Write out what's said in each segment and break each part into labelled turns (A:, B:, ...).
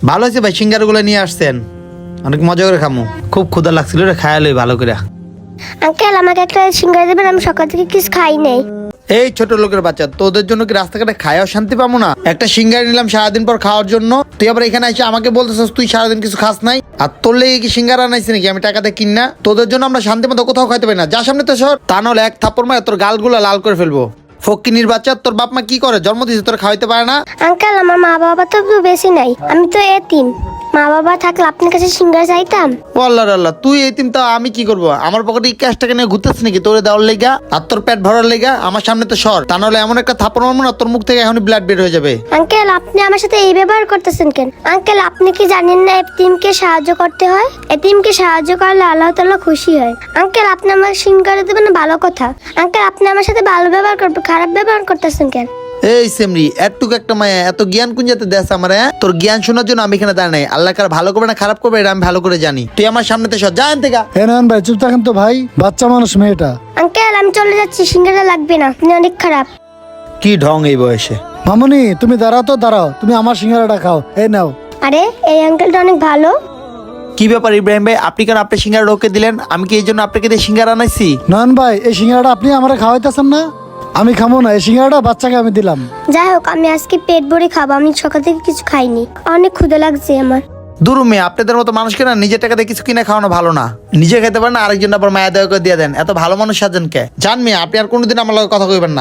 A: ভালো হয়েছে ভাই, সিঙ্গারগুলো নিয়ে আসছেন, অনেক মজা করে খামু। খুব ক্ষুধা লাগছিল রে, খায়ালই ভালো করে।
B: আঙ্কেল আমাকে একটা সিঙ্গারা দেবেন, আমি সকাল থেকে কিছু খাই নাই।
A: এই ছোট লোকের বাচ্চা, তোদের জন্য কি রাস্তাঘাটে খায়াও শান্তি পাবো না? একটা সিঙ্গারা নিলাম সারাদিন পর খাওয়ার জন্য, তুই আবার এখানে এসে আমাকে বলতেছিস তুই সারাদিন কিছু খাস নাই। আর তোর লেগে কি সিঙ্গারা আনাইছি নাকি আমি টাকাতে কিনা? তোদের জন্য আমরা শান্তি মতো কোথাও খাইতে পারি না। যা সামনে তো সর, তা নাহলে এক থাপ্পড় মারে তোর গালগুলো লাল করে ফেলবো। ফকিনির বাচ্চা, তোর বাপ মা কি করে? জন্ম দিয়েছে তোর খাওয়াইতে পারে না?
B: আঙ্কেল আমার মা বাবা তো বেশি নাই, আমি তো এতিম। মা বাবা থাকলে আপনার কাছে সিঙ্গারা চাইতাম।
A: ও আল্লাহ আল্লাহ, তুই এতিম তা আমি কি করবো? আমার পকেটে ক্যাশ টাকা নিয়ে ঘুরতেছিস নাকি তোরে দেওয়ার লেগা আর তোর পেট ভরার লেগা? আমার সামনে তো সর, তা নাহলে এমন একটা থাপ্পড় মারবো না তোর মুখ থেকে এখনই ব্লাড বের হয়ে যাবে।
B: আঙ্কেল আপনি আমার সাথে এই ব্যবহার করতেছেন কেন? আঙ্কেল আপনি কি জানেন না এতিমকে সাহায্য করতে হয়? এতিমকে সাহায্য করলে আল্লাহ তাআলা খুশি হয়। আঙ্কেল আপনি আমাকে সিঙ্গারা দেবেন ভালো কথা। আঙ্কেল আপনি আমার সাথে ভালো ব্যবহার করবেন, খারাপ ব্যবহার করতেছেন কেন?
A: এই সেমরি, এতটুকু একটা মায়া, এত জ্ঞান কোন যাতে দেশ আমার? তোর জ্ঞান শোনার জন্য আমি এখানে দাঁড়াই নাই। আল্লাহ কার ভালো করবে না খারাপ করবে এটা আমি ভালো করে জানি। তুই আমার সামনে তো সর, যা এখান থেকে।
C: হ্যাঁ নয়ন ভাই চুপ থাকেন তো ভাই, বাচ্চা মানুষ মেয়েটা।
B: আঙ্কেল আমি চলে যাচ্ছি, সিঙ্গারা লাগবে না, আপনি অনেক খারাপ।
A: কি ঢং এই বয়সে!
C: মামুনি তুমি দাঁড়াও তো দাঁড়াও, তুমি আমার সিঙ্গারাটা খাও, এই নাও।
B: আরে এই আঙ্কেলটা অনেক ভালো।
A: কি ব্যাপার ইব্রাহিম ভাই, আপনি কেন আপনি সিঙ্গারা ওকে দিলেন? আমি কি এই জন্য আপনাকে দিয়ে সিঙ্গারা আনাইছি?
C: নয়ন ভাই এই সিঙ্গারাটা আপনি আমার খাওয়াইতেছেন না? আমি খাবো না, এই সিঙ্গারাটা বাচ্চাকে আমি দিলাম।
B: যাই হোক আমি আজকে পেট ভরে খাবো, আমি সকাল থেকে কিছু খাইনি, অনেক ক্ষুধা লাগছে আমার।
A: দূর মেয়ে, আপনাদের মতো মানুষকে না নিজের টাকা দিয়ে কিছু কিনে খাওয়ানো ভালো না। নিজে খেতে পারেন না, আরেকজন আবার মায়া দয়া করে দিয়ে দেন। এত ভালো মানুষ সাজেন কে? জান মেয়ে, আপনি আর কোনোদিন আমার লগে কথা কইবেন না।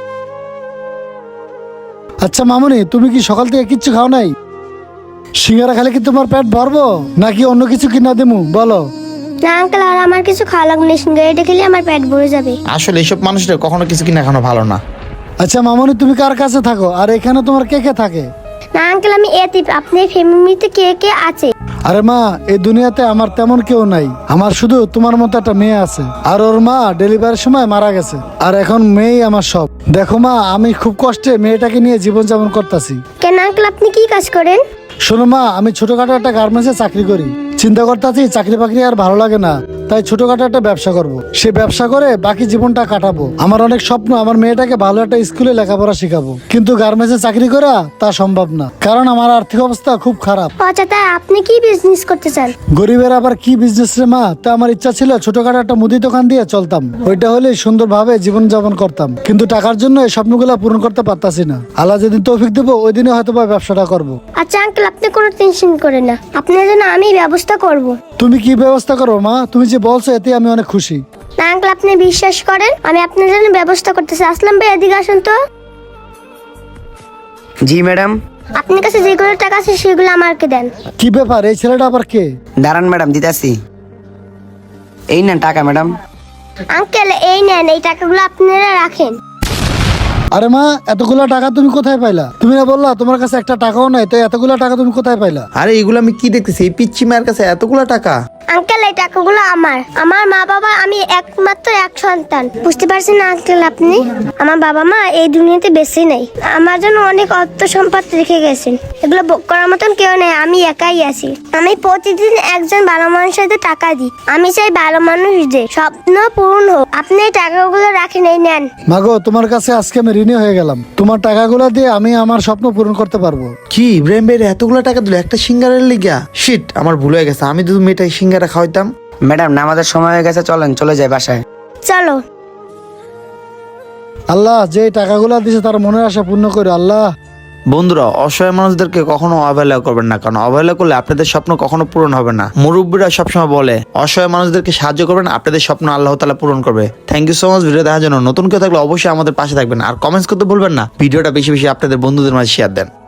C: আচ্ছা মামুনি তুমি কি সকাল থেকে কিচ্ছু খাও নাই? সিঙ্গারা খেলে কি তোমার পেট ভরবো নাকি অন্য কিছু কিনা দেবো বলো?
B: না আঙ্কেল আর আমার কিছু খাওয়া লাগবে না, সিঙ্গারাটা খেলে আমার পেট ভরে যাবে।
A: আসলে এইসব মানুষদের কখনো কিছু কিনে খাওয়ানো ভালো না।
C: আচ্ছা মামুনি তুমি কার কাছে থাকো আর এখানে তোমার কে কে থাকে?
B: না আঙ্কেল আমি এতিম, আপনার ফ্যামিলিতে কে কে আছে?
C: আরে মা এই দুনিয়াতে আমার তেমন কেউ নাই, আমার শুধু তোমার মতো একটা মেয়ে আছে, আর ওর মা ডেলিভারির সময় মারা গেছে, আর এখন মেয়েই আমার সব। দেখো মা আমি খুব কষ্টে মেয়েটাকে নিয়ে জীবনযাপন করতেছি।
B: কেন আঙ্কেল আপনি কি কাজ করেন?
C: শোনো মা আমি ছোটখাটো একটা গার্মেন্টসে চাকরি করি, চিন্তা করতেছি চাকরি বাকরি আর ভালো লাগে না, তাই ছোটখাটো একটা ব্যবসা করব। সে ব্যবসা করে বাকি জীবনটা কাটাবো। আমার অনেক স্বপ্ন আমার মেয়েটাকে ভালো একটা স্কুলে লেখাপড়া শেখাবো, কিন্তু গার্মেন্টসে চাকরি করা তা সম্ভব না, কারণ আমার আর্থিক অবস্থা খুব খারাপ।
B: আচ্ছা তাই আপনি কি বিজনেস করতে চান?
C: গরিবের আবার কি বিজনেস রে মা? তা আমার ইচ্ছা ছিল ছোটখাটো একটা মুদি দোকান দিয়ে চলতাম, ওইটা হলে সুন্দরভাবে জীবন যাপন করতাম, কিন্তু টাকার জন্য এই স্বপ্নগুলো পূরণ করতে পারতাছি না। আল্লাহ যেদিন তৌফিক দেবো ওই দিনে হয়তো বা ব্যবসাটা করবো।
B: আচ্ছা আঙ্কেল আপনি কোনো টেনশন করেন না, আপনার জন্য আমি ব্যবস্থা করব।
C: তুমি কি ব্যবস্থা করো মা? তুমি যে বলছো এতে আমি অনেক খুশি।
B: না আঙ্কেল আপনি বিশ্বাস করেন, আমি আপনার জন্য ব্যবস্থা করতেছি। আসলাম ভাই এদিকে আসুন তো।
D: জি ম্যাডাম।
B: আপনার কাছে যেগুলো টাকা আছে সেগুলো আমাকে দেন।
C: কি ব্যাপার এই ছেলেটা আবার কে?
D: দাঁড়ান ম্যাডাম দিতাছি। এই নেন টাকা ম্যাডাম।
B: আঙ্কেল এই নেন, এই টাকাগুলো আপনারা রাখেন।
C: আরে মা এতগুলা টাকা তুমি কোথায় পাইলা? তুমি না বললা তোমার কাছে একটা টাকাও নাই, তো এতগুলা টাকা তুমি কোথায় পাইলা?
A: আরে এগুলো আমি কি দেখতেছি? এই পিচ্ছি মায়ের কাছে এতগুলো টাকা?
B: আঙ্কেল এই টাকাগুলো আমার মা বাবা, আমি একমাত্র এক সন্তান। বুঝতে পারছেন না আঙ্কেল আপনি? আমার বাবা মা এই দুনিয়াতে বেঁচে নেই, আমার জন্য অনেক অর্থ সম্পদ রেখে গেছেন, এগুলো ভোগ করার মতন কেউ নেই, আমি একাই আছি। আমি প্রতিদিন একজন ভালো মানুষের টাকা দিই, আমি চাই ভালো মানুষদের স্বপ্ন পূরণ হোক। আপনি এই টাকাগুলো রাখেন, এই নেন।
C: মাগো তোমার কাছে আজকে আমি ঋণী হয়ে গেলাম, তোমার টাকাগুলো দিয়ে আমি আমার স্বপ্ন পূরণ করতে পারবো।
A: কি ইব্রাহিম ভাই এতগুলো টাকা দিল একটা সিঙ্গারের লিগা? শিট, আমার ভুল হয়ে গেছে, আমি যদি মেয়েটাকে সিঙ্গারা খাওয়াইতাম।
D: ম্যাডাম নামাজের সময় হয়ে গেছে, চলেন চলে যাই বাসায়।
B: চলো।
C: আল্লাহ যে টাকাগুলো দিছে তার মনের আশা পূর্ণ করে আল্লাহ।
A: বন্ধুরা, অসহায় মানুষদেরকে কখনো অবহেলা করবেন না, কারণ অবহেলা করলে আপনাদের স্বপ্ন কখনো পূরণ হবে না। মুরব্বীরা সবসময় বলে অসহায় মানুষদেরকে সাহায্য করবেন, আপনাদের স্বপ্ন আল্লাহ তাআলা পূরণ করবে। Thank you so much video দেখার জন্য। নতুন কেউ থাকলে অবশ্যই আমাদের পাশে থাকবেন, আর কমেন্টস করতে ভুলবেন না। ভিডিওটা বেশি বেশি আপনাদের বন্ধুদের মাঝে শেয়ার দেন।